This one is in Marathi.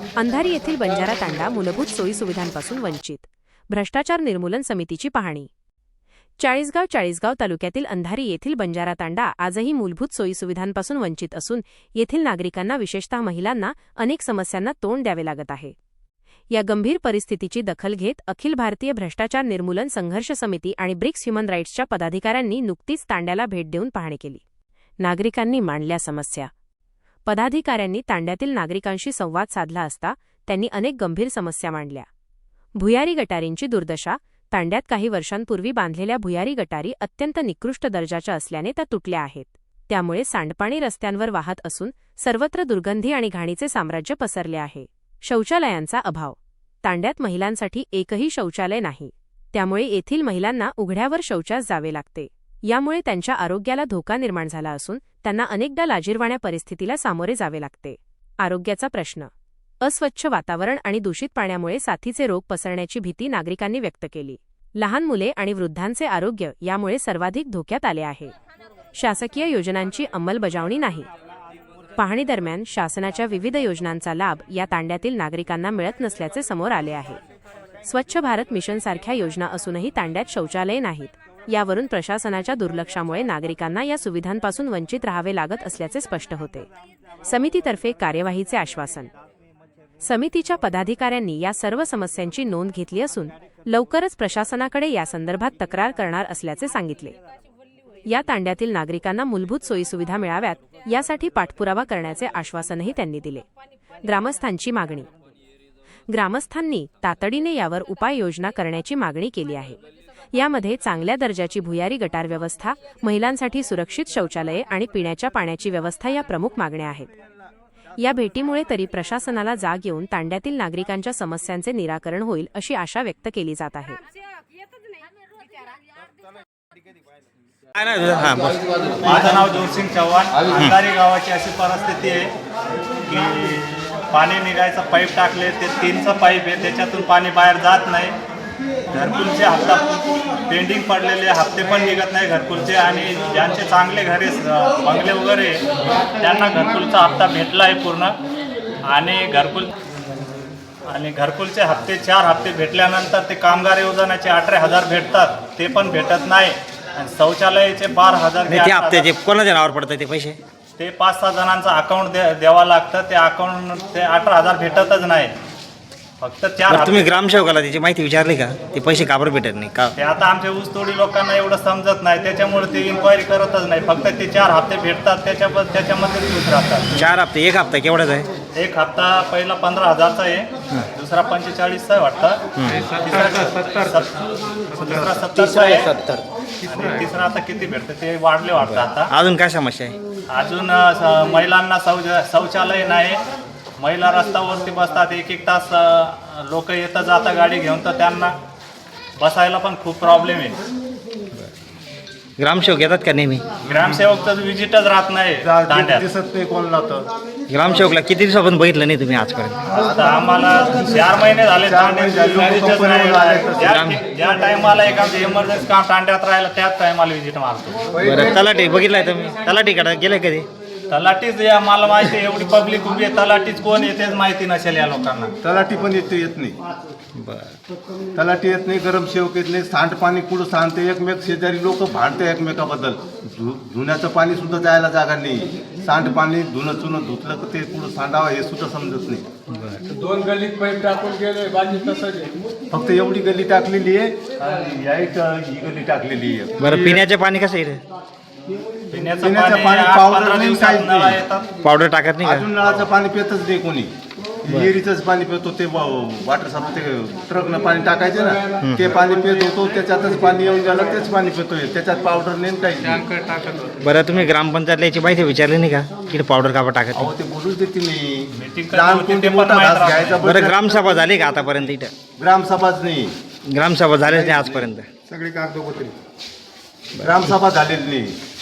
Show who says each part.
Speaker 1: अंधारी येथील बंजारा तांडा मूलभूत सोयीसुविधांपासून वंचित. भ्रष्टाचार निर्मूलन समितीची पाहणी. चाळीसगाव तालुक्यातील अंधारी येथील बंजारा तांडा आजही मूलभूत सोयीसुविधांपासून वंचित असून येथील नागरिकांना विशेषतः महिलांना अनेक समस्यांना तोंड द्यावे लागत आहे. या गंभीर परिस्थितीची दखल घेत अखिल भारतीय भ्रष्टाचार निर्मूलन संघर्ष समिती आणि ब्रिक्स ह्युमन राईट्सच्या पदाधिकाऱ्यांनी नुकतीच तांड्याला भेट देऊन पाहणी केली. नागरिकांनी मांडल्या समस्या. पदाधिकाऱ्यांनी तांड्यातील नागरिकांशी संवाद साधला असता त्यांनी अनेक गंभीर समस्या मांडल्या. भुयारी गटारींची दुर्दशा. तांड्यात काही वर्षांपूर्वी बांधलेल्या भुयारी गटारी अत्यंत निकृष्ट दर्जाच्या असल्याने त्या तुटल्या आहेत. त्यामुळे सांडपाणी रस्त्यांवर वाहत असून सर्वत्र दुर्गंधी आणि घाणीचे साम्राज्य पसरले आहे. शौचालयांचा अभाव. तांड्यात महिलांसाठी एकही शौचालय नाही. त्यामुळे येथील महिलांना उघड्यावर शौचास जावे लागते. यामुळे त्यांच्या आरोग्याला धोका निर्माण झाला असून त्यांना अनेकदा लाजिरवाण्या परिस्थितीला सामोरे जावे लागते. आरोग्याचा प्रश्न. अस्वच्छ वातावरण आणि दूषित पाण्यामुळे साथीचे रोग पसरण्याची भीती नागरिकांनी व्यक्त केली. लहान मुले आणि वृद्धांचे आरोग्य यामुळे सर्वाधिक धोक्यात आले आहे. शासकीय योजनांची अंमलबजावणी नाही. पाहणी दरम्यान शासनाच्या विविध योजनांचा लाभ या तांड्यातील नागरिकांना मिळत नसल्याचे समोर आले आहे. स्वच्छ भारत मिशनसारख्या योजना असूनही तांड्यात शौचालये नाहीत. यावरून प्रशासनाच्या दुर्लक्षामुळे नागरिकांना या सुविधांपासून वंचित राहावे लागत असल्याचे स्पष्ट होते. समितीतर्फे कार्यवाहीचे आश्वासन. समितीच्या पदाधिकाऱ्यांनी या सर्व समस्यांची नोंद घेतली असून लवकरच प्रशासनाकडे यासंदर्भात तक्रार करणार असल्याचे सांगितले. या तांड्यातील नागरिकांना मूलभूत सोयीसुविधा मिळाव्यात यासाठी पाठपुरावा करण्याचे आश्वासनही त्यांनी दिले. ग्रामस्थांची मागणी. ग्रामस्थांनी तातडीने यावर उपाययोजना करण्याची मागणी केली आहे. यामध्ये चांगल्या दर्जाची भुयारी गटार व्यवस्था, महिलांसाठी सुरक्षित शौचालये आणि पिण्याच्या पाण्याची व्यवस्था या प्रमुख मागण्या आहेत. या भेटीमुळे तरी प्रशासनाला जाग येऊन तांड्यातील नागरिकांच्या समस्यांचे निराकरण होईल अशी आशा व्यक्त केली जात आहे.
Speaker 2: माझं नाव जोरसिंग चव्हाण. अंधारी गावाची अशी परिस्थिती आहे की पाणी निघायचं पाईप टाकले, ते 3चं पाईप आहे, त्याच्यातून पाणी बाहेर जात नाही. घरकुलचे हप्ता पेंडिंग पडलेले हप्ते पण निघत नाही घरकुलचे. आणि ज्यांचे चांगले घरे बंगले वगैरे त्यांना घरकुलचा हप्ता भेटला आहे पूर्ण. आणि घरकुलचे हप्ते 4 हप्ते भेटल्यानंतर ते कामगार योजनाचे 18,000 भेटतात, ते पण भेटत नाही. आणि शौचालयाचे 12,000
Speaker 3: ते हप्त्याचे कोणाच्या नावावर पडतात ते पैसे?
Speaker 2: ते 5-6 जणांचं अकाउंट द्यावं लागतं. ते अकाउंट ते 18,000 भेटतच नाही. फक्त 4.
Speaker 3: तुम्ही ग्रामसेवकाला त्याची माहिती विचारली का? ते पैसे का बरं भेटत नाही का?
Speaker 2: ते आता आमच्या ऊसतोडी लोकांना एवढं समजत नाही, त्याच्यामुळे ते इन्क्वायरी करतच नाही. फक्त ते 4 हप्ते भेटतात, त्याच्यामध्ये खुश राहतात.
Speaker 3: 4 हप्ते. एक हप्ता केवढाच आहे?
Speaker 2: एक हप्ता पहिला 15,000चा आहे, दुसरा 45चा आहे वाटतं, दुसरा 70चा आहे, आणि तिसरा आता किती भेटतं ते वाढले वाटतं आता.
Speaker 3: अजून काय समस्या आहे?
Speaker 2: अजून महिलांना शौचालय नाही. महिला रस्त्यावरती बसतात, 1-1 तास लोक येतं जाता गाडी घेऊन, तर त्यांना बसायला पण खूप प्रॉब्लेम आहे.
Speaker 3: ग्रामसेवक येतात का नेहमी?
Speaker 2: ग्रामसेवक तर विजिटच राहत नाही तांड्यात.
Speaker 4: दिसत नाही कोणाला. तर
Speaker 3: ग्रामसेवकला किती दिवसापासून बघितलं नाही तुम्ही आजपर्यंत?
Speaker 2: आता आम्हाला 4 महिने झाले तांड्यात विजिटच नाही. ज्या टायमाला एखादं इमर्जन्सी काम तांड्यात राहिलं त्याच टायमाला विजिट मारतो.
Speaker 3: बरं, तलाठी बघितलाय तुम्ही? तलाठीकडे गेले कधी?
Speaker 2: तलाठीच मला माहिती आहे, एवढी पब्लिक उभी आहे, तलाठीच कोण येतेच माहिती नसेल या लोकांना.
Speaker 4: तलाठी पण येत नाही.
Speaker 3: बरं.
Speaker 4: तलाठी येत नाही, गरम सेवक येत नाही. सांडपाणी कुठं सांडते, एकमेक शेजारी लोक भांडते एकमेकाबद्दल. धुण्याचं पाणी सुद्धा जायला जागा नाही. सांडपाणी धुणं धुतलं तर ते कुठं सांडावं हे सुद्धा समजत नाही.
Speaker 5: 2 गल्लीत पाईप टाकून गेले, बाजी तसंच आहे.
Speaker 4: फक्त एवढी गल्ली टाकलेली आहे आणि ही गल्ली टाकलेली आहे.
Speaker 3: बरं, पिण्याचे पाणी कसं येतं?
Speaker 2: पिण्याचं
Speaker 4: पाणी
Speaker 2: पाणी
Speaker 4: 15
Speaker 2: 8-15
Speaker 4: दिवसात
Speaker 2: दिवसात
Speaker 4: नाही.
Speaker 2: नळा येतात.
Speaker 3: पावडर टाकत नाही
Speaker 4: अजून नळाचं पाणी पितच नाही कोणी. विहिरीचंच पाणी पितो. ते वॉटर सप्लाय ते ट्रकनं पाणी टाकायचे ना, ते पाणी पित होतो. त्याच्यातच पाणी येऊन गेलं, तेच पाणी पितोय. त्याच्यात पावडर नेम काही.
Speaker 3: बरं, तुम्ही ग्रामपंचायतला याची माहिती विचारली नाही का की पावडर का टाकत नाही?
Speaker 4: अहो ते बोलूच देते नाही.
Speaker 2: Meeting
Speaker 4: लहान
Speaker 2: करते
Speaker 4: कोणते
Speaker 2: ते पण
Speaker 4: मोठा
Speaker 2: माहित
Speaker 4: घास
Speaker 2: राहत
Speaker 4: घ्यायचा.
Speaker 3: बरं, ग्रामसभा झाली का आतापर्यंत इथं?
Speaker 4: ग्रामसभाच नाही.
Speaker 3: ग्रामसभा झालीच नाही आजपर्यंत.
Speaker 4: सगळी कागदोपत्री. ग्रामसभा झालेली नाही.